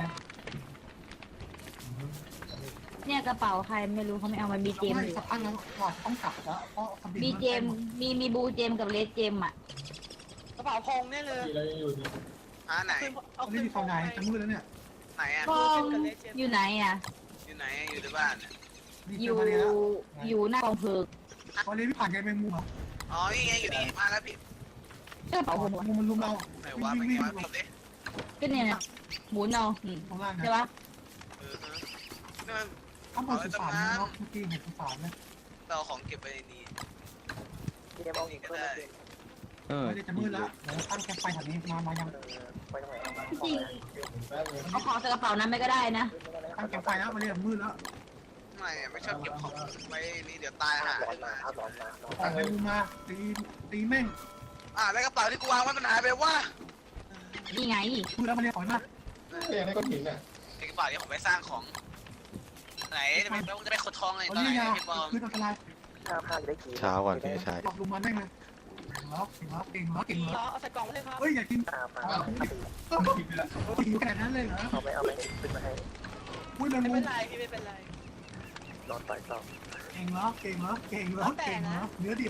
Speaker 3: เนี่ยกระเป๋าใครไม่รู้เขาไม่เอามาบีเจม
Speaker 6: ไม่
Speaker 3: อยู่
Speaker 6: สักพักแล้วหลอดต้องกลับแล้วเพราะ
Speaker 3: บีเจมมีมีบูเจมกับเลสเจมอ่ะ
Speaker 2: กระเป๋าพงเนี่ยเลย
Speaker 9: ที่เรายังอยู่ดี
Speaker 8: อ่าไหน
Speaker 2: เอา
Speaker 6: ไม่
Speaker 2: ขึ้น
Speaker 6: มี
Speaker 2: พ
Speaker 6: ทอง
Speaker 2: ง
Speaker 6: ไหนจะมืดแล้วเนี่ย
Speaker 8: ไหนอ่ะ
Speaker 3: กองอยู่ไหนอ่ะ
Speaker 8: อยู่ไหนอยู่ในบ้านอะ
Speaker 3: อยู่อยู่หน้ากองเพลิง
Speaker 6: วันนี้พี่ผ่านแกเป็นมุมเหรอ
Speaker 8: อ๋อนี่ไงอยู่นี่มาแล้วพี่
Speaker 3: กระเป๋าผม
Speaker 6: มุมมันลุมเรา
Speaker 8: ไหนวะไป
Speaker 6: วิ่ง
Speaker 8: วะ
Speaker 6: วิ่ง
Speaker 8: พี่เด้
Speaker 3: ก็เนี่ยนะหมุนเอาอืม
Speaker 6: ตรงล่าง
Speaker 3: ใช่
Speaker 6: นะ
Speaker 3: ปะ
Speaker 8: เออฮะนี่มัน
Speaker 6: ข้างบนสุสานเนาะเมื่อกี้เห็นสุสานเลย
Speaker 8: เราของเก็บไปในนี้
Speaker 5: เจมเอาเพิ่มมาเจม
Speaker 7: เออ
Speaker 6: ไม่ได้จะมืดแล้วเดี๋ยวตั้งแคมป์ไฟแถวนี้มามายัง
Speaker 5: เออไปตรงไหนเอามา
Speaker 3: จริง
Speaker 9: แป๊บนึง
Speaker 3: เอาของใส่กระเป๋านั้นไม่ก็ได้นะ
Speaker 6: ตั้งแคมป์ไฟแล้วมาเรียกมืดแล้ว
Speaker 8: ไม่อะไม่ชอบเก็บของไว้นี่เดี๋ยวตาย
Speaker 5: ภา
Speaker 8: หา
Speaker 5: พร้อน
Speaker 8: ขึ้น
Speaker 5: มา
Speaker 8: มา
Speaker 5: ภาพร้อนมาร้อน
Speaker 6: ออกไปมุมมาตีตีแม่ง
Speaker 8: อ่าแล้วกระเป๋าที่กูวางไว้มันหายไปวะ
Speaker 3: นี่ไง
Speaker 6: มืดแล้วมาเรียกถอยมา
Speaker 9: ก็ยังให้ก้อนหินอ่ะ
Speaker 8: ไอ้กระเป๋าที่ผมไปสร้างของไหนจะไปจะไปขดทองเลย
Speaker 6: เอา
Speaker 8: ตอนไหน
Speaker 6: เรียกยาว
Speaker 8: พี่บอม
Speaker 6: คืออันตราย
Speaker 5: ข้าวข้าวจะได้กิน
Speaker 4: เช้าก่อนพี่ชาย
Speaker 6: หลอกลุมมาแม่งเลยเก่งแล้วเก่งแล้วเก่งแล้วเก่ง
Speaker 2: เหร
Speaker 6: แล้
Speaker 2: อ
Speaker 6: ว
Speaker 2: เอาใส่กล่องไว้เลยครับ
Speaker 6: เฮ้ยอย่ากิน
Speaker 5: ข้าวมา
Speaker 9: หินไปละ
Speaker 6: หิวขนาดนั้นเลยเหรอ
Speaker 5: เอาไหมเอาไหมขึ้นมาให้
Speaker 6: อุ้ยมัน
Speaker 2: ไม่
Speaker 6: มุ
Speaker 2: เป็
Speaker 6: ม
Speaker 2: นไรพี่ไม่เป็นไร
Speaker 5: นอนต่อยต่อ
Speaker 6: เก่งแล้วเก่งแล้วเก่งแล้วเก่งแล้วเนื้อดิบ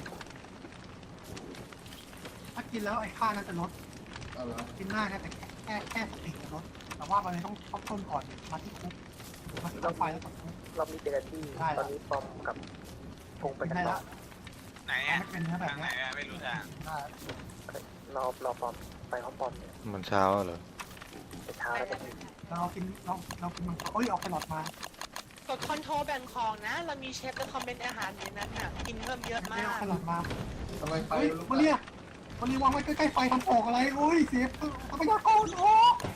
Speaker 6: ถ้ากินแล้วไอ้ข้าน่าจะลด
Speaker 9: เอาละ
Speaker 6: กินหน้านะแต่แค่แค่สติจะลดแต่ว่ามันต้องต้องต้นก่อนมาที่คุกมาที่ไฟแล้วก็คุก
Speaker 5: รอบนี้เจอที่ตอนนี้ปอมกับพงไป
Speaker 6: กิน
Speaker 5: กัน
Speaker 6: ได้
Speaker 5: ต่อ
Speaker 6: ละ
Speaker 8: ไหน
Speaker 6: ไม่
Speaker 8: อ่ะ
Speaker 6: เป็นเนื้อแบบ
Speaker 8: ทางไหน
Speaker 6: นี้
Speaker 8: อ่ะไม่รู้ทาง
Speaker 6: ได้
Speaker 5: รอรอปอมไปห้องปอมเนี่ย
Speaker 4: มันเช้าเหรอ
Speaker 5: ไปเช้าแล้วจะ
Speaker 6: เรากินเราเรากินมันเอ้ยออกไปหลอดมาก
Speaker 2: ดคอนโทรลแบ่งของนะ เรามีเชฟและคอมเมนต์อาหารอยู่นั้นน่ะกินเพิ่มเยอะมา
Speaker 6: ไม่ออก
Speaker 2: ก
Speaker 6: ไปหลอดมา
Speaker 9: ทำไมไฟ
Speaker 6: เฮ้ย
Speaker 9: ลุก
Speaker 6: มาเนี่ยมันรีวางไว้ใกล้ๆไฟทำออกอะไรโอ้ยเสียทรัพยากรโอ้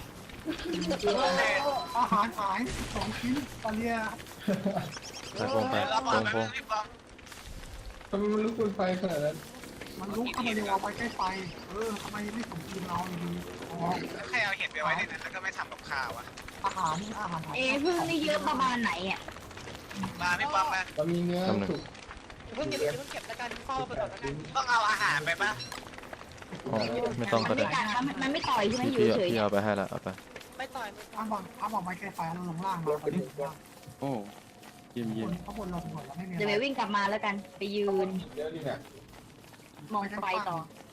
Speaker 6: อาหารหายสองชิ้นตอนเนี้ย
Speaker 4: ไปพงไป
Speaker 8: แล้ว
Speaker 4: พ
Speaker 8: บอล
Speaker 4: ง
Speaker 8: ไป
Speaker 4: พง
Speaker 8: รีบบอก
Speaker 9: ทำไมมันลุกบนไฟขนาดนั้น
Speaker 6: มันลุกทำไมเรีวางไว้ใกล้ไฟเออทำไมไม่สมทีมเราดีอ๋อ
Speaker 8: แล้วใครเอาเห็ดไปไว้ในนั้นแล้วก็ไม่ทำกับข้าวอะ
Speaker 6: อาหารอาหารหาย
Speaker 3: เอะพึ่งนี่เยอะประมาณไหนอ่ะ
Speaker 8: มาพี่ป้อมมา
Speaker 9: มันมีเนื้อสุก
Speaker 2: เพิ่งเก็บเพิ่งเก็บแล้วกันเฝ้าไปก่อนแล้วกัน
Speaker 8: ต้องเอาอาหารไปปะ
Speaker 4: อ๋อไม่ต้อง
Speaker 3: มั
Speaker 4: ก็
Speaker 3: นไม่
Speaker 4: ได้
Speaker 3: กัดมันมันไม่ต่อยใช่ไหมอยู่
Speaker 4: พี่
Speaker 3: เฉยๆ
Speaker 4: พี่
Speaker 3: เนี่ย
Speaker 4: เอาไปให้ละเอาไป
Speaker 2: ไม่ต่อยไม่ต่อย
Speaker 6: อ้ามวางอ้ามวางไว้ใกล้ไฟแล้วลงล่างมาตอนนี้ล่าง
Speaker 7: โอ้เยี่ยม
Speaker 6: ข้างบ
Speaker 7: เยี่ยม
Speaker 6: นข้างบนเราสำรวจแล้วไม่มี
Speaker 3: เดี๋ยวไปวิ่งกลับมาแล้วกัน ไปยืน
Speaker 9: เยอะดีเนี่ย
Speaker 3: มองไฟต่อ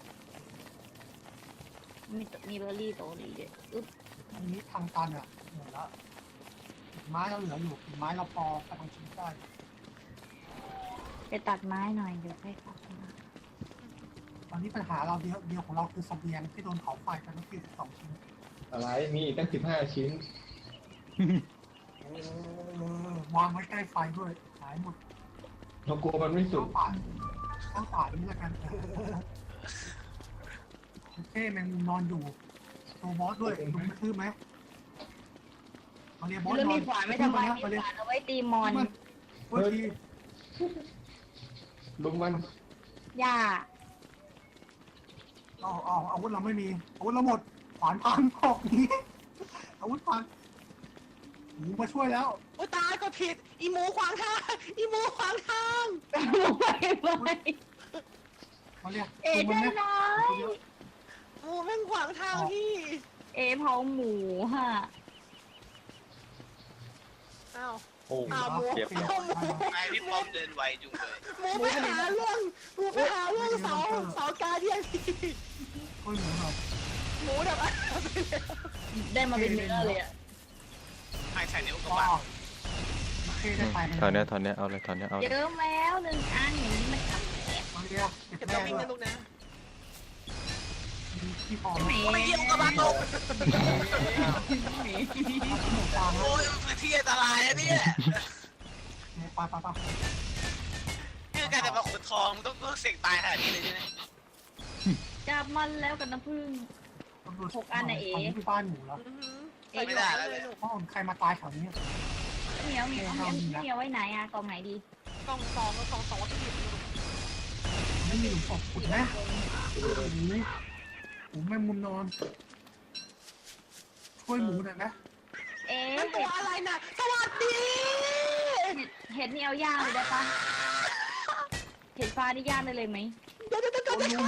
Speaker 3: มีมีเบอร์รี่โตดีด้วยอึ๊บ
Speaker 6: อันนี้ทางตันอ่ะหมดแล้วไม้เราเหลืออยู่ไม้เราพอไปทางชิ้นได้
Speaker 3: ไปตัดไม้หน่อยเดี๋ยวค่อยกลับมา
Speaker 6: ตอนนี้ปัญหาเราเดียวเดียวของเราคือเสบียงที่โดนเผาไฟไปเมื่อกี้สิบสองชิ้น
Speaker 9: อะไรมีอีกตั้งสิบห้าชิ้น
Speaker 6: วางไว้ใกล้ไฟด้วยหายหมด
Speaker 9: เรากลัวมันไม่สุ
Speaker 6: ข้าก งป่าข้างป่านี้แล้วกันโอเคแมงมุมนอนอยู่ตัวบอสด้วยดูกระทืบไหมมาเรียบอส
Speaker 3: แล้ว
Speaker 6: นอ
Speaker 3: มี
Speaker 6: น
Speaker 3: ขวานไม่ทำไมมี
Speaker 6: มาเรีย
Speaker 3: ขวานเอาไว้ตีมอน
Speaker 6: เมื่อกี้
Speaker 9: ลุมมัน
Speaker 3: หญ้า
Speaker 6: อ๋ออ๋ออาวุธเราไม่มีอาวุธเราหมดขวานพังออกนี้อาวุธพังหมูมาช่วยแล้ว
Speaker 2: โอ้ตายก็ผิดอีหมูขวางทางอีหมูขวางทาง
Speaker 3: ไปไป
Speaker 6: มาเรียก
Speaker 3: เอ๋
Speaker 6: ดูมัน
Speaker 3: ได้
Speaker 6: ไหม
Speaker 3: น้อย
Speaker 2: หมูแม่งขวางทางพี่
Speaker 3: เอ๋เผาหมูฮะ
Speaker 2: อ้าว
Speaker 7: โอ้
Speaker 2: อ้าวหมู
Speaker 7: เจ็บ
Speaker 2: อ้าวหมู
Speaker 8: ไอพี่ป้อมเดินไวจุงเลย
Speaker 2: หมูไปหาเรื่องหมูไปหาเรื่องเสาเสาการเดียนพี่
Speaker 6: ช่วยหมูหน่อย
Speaker 2: หมูแบบอ่ะ
Speaker 3: ได้มาเป็นเนื้อเลยอ่ะ
Speaker 8: ให้ใส่นิ้วกระ
Speaker 6: ก็
Speaker 8: บาด
Speaker 6: โอเคได้ไป
Speaker 4: ตอนเนี้ยตอนเนี้ยเอาเลยตอนเนี้ยเอาเล
Speaker 3: เย
Speaker 4: ย
Speaker 3: อะแล้วหนึ่งอันอย่างนี้มันทำแอบ
Speaker 6: มาเรียกเก็บ
Speaker 2: เก็บ
Speaker 6: แม่
Speaker 2: ตัววิ่ง
Speaker 6: ด้วย
Speaker 2: นะลูกนะ
Speaker 6: มีที่พอ
Speaker 3: ห
Speaker 6: ไหม
Speaker 3: มี
Speaker 8: ไม่เยี่ยมกระบาดตก
Speaker 3: หมี
Speaker 6: หมูฟาง
Speaker 8: โอ้ยมันเป็นที่อันตรายอะเนี่ย
Speaker 6: ไปไปไป
Speaker 8: นี่การจะมาขนทองมึงต้องต้องเสี่ยงตายขนาดนี้เลยใช่ไหม
Speaker 3: จับมันแล้วกับน้ำผึ้ง หกอันน่ะเอ๋
Speaker 6: ที่บ้านหมูแล้ว
Speaker 2: อื้อหือ
Speaker 3: เอ๋
Speaker 8: ไม่ได้แล้วเลย
Speaker 6: เพราะใครมาตายแถวนี้
Speaker 3: เหมียวเหมียวเหมียวเหมียวไว้ไหนอ่ะกองไหนดี
Speaker 2: กล่องสองกล่องสองวัตถุดิบ
Speaker 6: ไม่มีหลุมศพขุดนะหมูหมูแมงมุมนอน ช่วยหมูหน่อยนะ
Speaker 3: เอ๊ะ
Speaker 2: นั่นตั
Speaker 3: เห็
Speaker 2: ว
Speaker 3: ด
Speaker 2: อะไรน่ะสวัสดี
Speaker 3: เห็ดนี่เอาย่างเลยได้ปะเห็ดฟ้านี่ย่างได้เลยไหม
Speaker 2: เดี๋ยวเดี๋ยวเดี๋ยว
Speaker 6: โอ้ย
Speaker 2: เดี๋ยว
Speaker 6: ลุง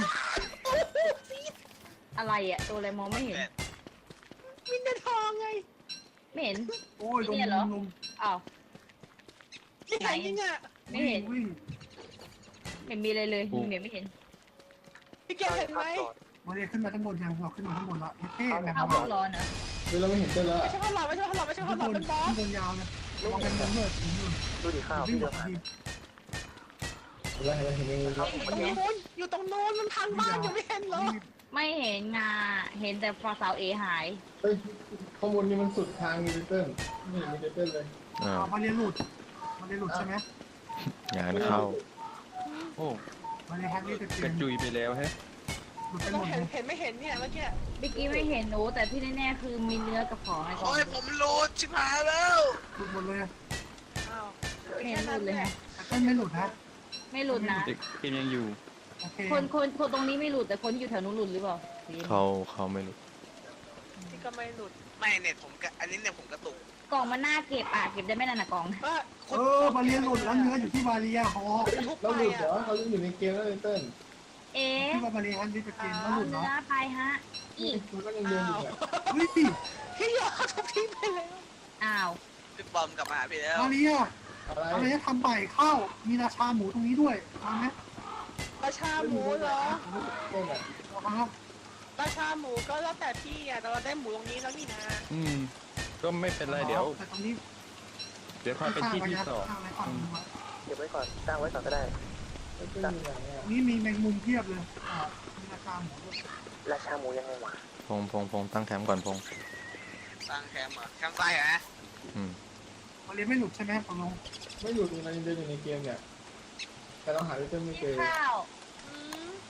Speaker 3: อะไรอ่ะตัวอะไรมองไม่เห็น
Speaker 2: มินเดทองไง
Speaker 3: ไม่เห็น
Speaker 6: โอ้ยลุง
Speaker 3: เนี่ยเหรอ
Speaker 6: ลุง
Speaker 3: อ้าว
Speaker 2: นี่ใครยิงอ่ะ
Speaker 3: ไม่เห็น
Speaker 6: วิ่ง
Speaker 3: ไม่มีอะไรเลยเหมียวไม่เห็น
Speaker 2: พี่เกศเห็นไหม
Speaker 6: มาเรียกขึ้นมาทั้งบนยังเราขึ้นมาทั้งบนละเท่แมง
Speaker 3: เอา
Speaker 6: มุ
Speaker 3: พว
Speaker 6: ม
Speaker 3: กร้อนเหรอ
Speaker 9: เฮ้ยเราไม่เห็นเจ้าแล้ว
Speaker 2: ไม่ใช่ข้าวหลามไม่ใช่ข้าวหลามไม่ใช่ข้า
Speaker 6: ขึ้
Speaker 2: วน หลาม
Speaker 6: บน
Speaker 2: เป็นบอ
Speaker 6: ขึ้
Speaker 2: ส
Speaker 6: นบนยาวเลยมองเป็นมุมเลือดถึงนู่น
Speaker 5: ดูดิข้าว
Speaker 6: วิ่ง
Speaker 5: พี่
Speaker 6: หม
Speaker 5: เดิ
Speaker 6: ด
Speaker 5: น
Speaker 6: ที
Speaker 5: มา
Speaker 9: เห็นไหมเห็นไหมเห็นไหม
Speaker 2: อยู่ตรงนู้นอยู่ตรงนู้นมันทางบ้านยังไม่เห็นเหรอ
Speaker 3: ไม่เห็นงาเห็นแต่ฟาสาวเอหาย
Speaker 9: เฮ้ยข้างบนนี่มันสุดทางมีเต้นนี่มีเต้นเลย
Speaker 4: อ่า
Speaker 6: เอามาเรียนหลุดมาเรียนหลุดใช่ไหม
Speaker 4: งานเข้า
Speaker 7: โอ้
Speaker 6: มาเรียนแฮกนี่จะเป
Speaker 7: ก
Speaker 6: ลี่ย
Speaker 7: ระ
Speaker 6: น
Speaker 7: จุยไปแล้วแฮะ
Speaker 6: หลุดไป
Speaker 2: ไม่
Speaker 6: ห
Speaker 2: ต้
Speaker 6: ม
Speaker 2: อง
Speaker 6: ด
Speaker 2: เห็
Speaker 6: เล
Speaker 2: น
Speaker 6: ย
Speaker 2: เห็นไม่เห็นเนี่ยเมื่อกี้
Speaker 3: เมื่อกี้ไม่เห็นหนูแต่ที่แน่ๆคือมีเนื้อกับของในกล่อง
Speaker 8: โอ้ยผมโหลดชิบหายแล้ว
Speaker 6: หลุดหมดเลย
Speaker 2: อ้าว
Speaker 3: ไม่เห็นหลุดเลยฮะ
Speaker 6: แต่ไม่หลุดนะ
Speaker 3: ไม่หลุดนะ
Speaker 7: เด็กเกมยังอยู่
Speaker 6: โอเค
Speaker 3: คนคนคนตรงนี้ไม่หลุดแต่คนที่อยู่แถวนู้นหลุดหรือเปล่า
Speaker 4: เขาเขาไม่รู้
Speaker 2: นี่ก็ไม่หลุด
Speaker 8: ไม่เน็ตผมกะอันนี้เนี่ยผมกระตุก
Speaker 3: กล่องมันน่าเก็บอ่ะเก็บได้ไม่นานนะกล่อง
Speaker 2: ว่า
Speaker 6: เออมาเรียนหลุดแล้วเนื้ออยู่ที่มาเรียฮอ
Speaker 2: ทุบ
Speaker 9: เรา
Speaker 2: ไป
Speaker 9: หลุดเหร
Speaker 2: อ่ะ
Speaker 9: อเขายังอยู่ในเกมแล้วเต้น
Speaker 3: เอ๊ะ
Speaker 6: ที่ว่ามาเรียแฮกนี่จะเปลี่ยนแล้ว
Speaker 3: เอา
Speaker 6: หลุด
Speaker 3: เนื้
Speaker 6: เนาะ
Speaker 3: อไปฮะอี
Speaker 9: มันก็ยังเดินอยู่เนี่ย
Speaker 6: เฮ้ย
Speaker 2: พี่ยอดทุบทิ้งไปแล้ว
Speaker 3: อ้าว
Speaker 8: พี่ป้อมกลับมาหาพี่แล้ว
Speaker 6: มาเรีย
Speaker 9: อะไร
Speaker 6: มาเรียทำใหม่ข้าวมีราชาหมูตรงนี้ด้วยเอาไหม
Speaker 2: ราชาหมูเหรอ
Speaker 9: เต้นอ่ะ
Speaker 6: เอาครับ
Speaker 2: ราชาหมูก็แล้วแต่พี่อ่ะแต่เราได้หมูตรงนี้แล้วนี่นะ
Speaker 7: อืม ก็ไม่เป็นไรเดี๋ยว
Speaker 6: แต่ตรงนี้
Speaker 7: เดี๋ยวพาไปที่ที่สอง
Speaker 6: ข้างไว้ก่อน
Speaker 5: เก็บไว้ก่อนตั้งไว้ก่อนก็ได้
Speaker 9: เต้นอยู่ไหนอ่ะ
Speaker 6: นี่มีแมงมุมเพียบเลยอ่ามีราชาหมูด้วย
Speaker 5: ราชาหมูยังไงวะ
Speaker 4: พงพงพงตั้งแคมป์ก่อนพง
Speaker 8: ตั้งแคมป์เหรอแคมป์ไฟเหรอ
Speaker 4: อืม
Speaker 6: มาเรียนไม่หลุดใช่ไหมตกลง
Speaker 9: ไม่หลุดมันยังเดินอยู่ในเกมเนี่ยแต่เราหาเต้นไม่เจอ
Speaker 3: ข้าว
Speaker 2: อืม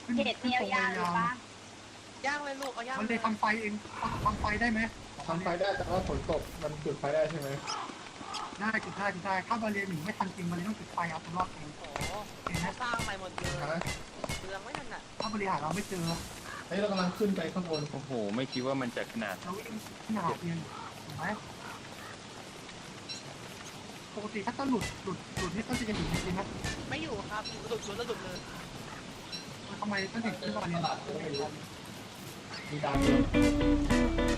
Speaker 6: ขึ้น
Speaker 3: เห็ด
Speaker 6: ขึ้น
Speaker 3: เนีย
Speaker 6: ตรง
Speaker 3: วยางหรือปะ
Speaker 2: ย่างเลยลูกเอาย่าง
Speaker 6: มันเลยทำไฟเองทำไฟได้ไหม
Speaker 9: ทำไฟได้แต่ว่าฝนตกมันจุดไฟได้ใช่ไหม
Speaker 6: ได้จุดได้จุดได้ถ้าบาเรียนหนีไม่ทันจริงบาเรียนต้องจุดไฟเอาตัวรอดเอง
Speaker 2: โอ้โหเขาสร้างใหม่หมดเลย
Speaker 9: ฮะ
Speaker 2: เปลืองไม่นั่นน่ะ
Speaker 6: ถ้าบาเรียนหาเราไม่เจอ
Speaker 9: เฮ้ยเรากำลังขึ้นไปข้างบน
Speaker 7: โอ้โห ไม่คิดว่ามันจะขนาด
Speaker 6: เราวิ่งขึ้นหาเรียนเห็นไหมปกติถ้าต้นหลุดหลุดหลุดนี่ต้นจะยังอยู่จริงๆนะ
Speaker 2: ไม่อยู่ครับหลุดหลุดแล้วหลุดเลย
Speaker 6: ทำไมต้นถึงขึ้นบาเรียน
Speaker 9: มีดาวเยอะ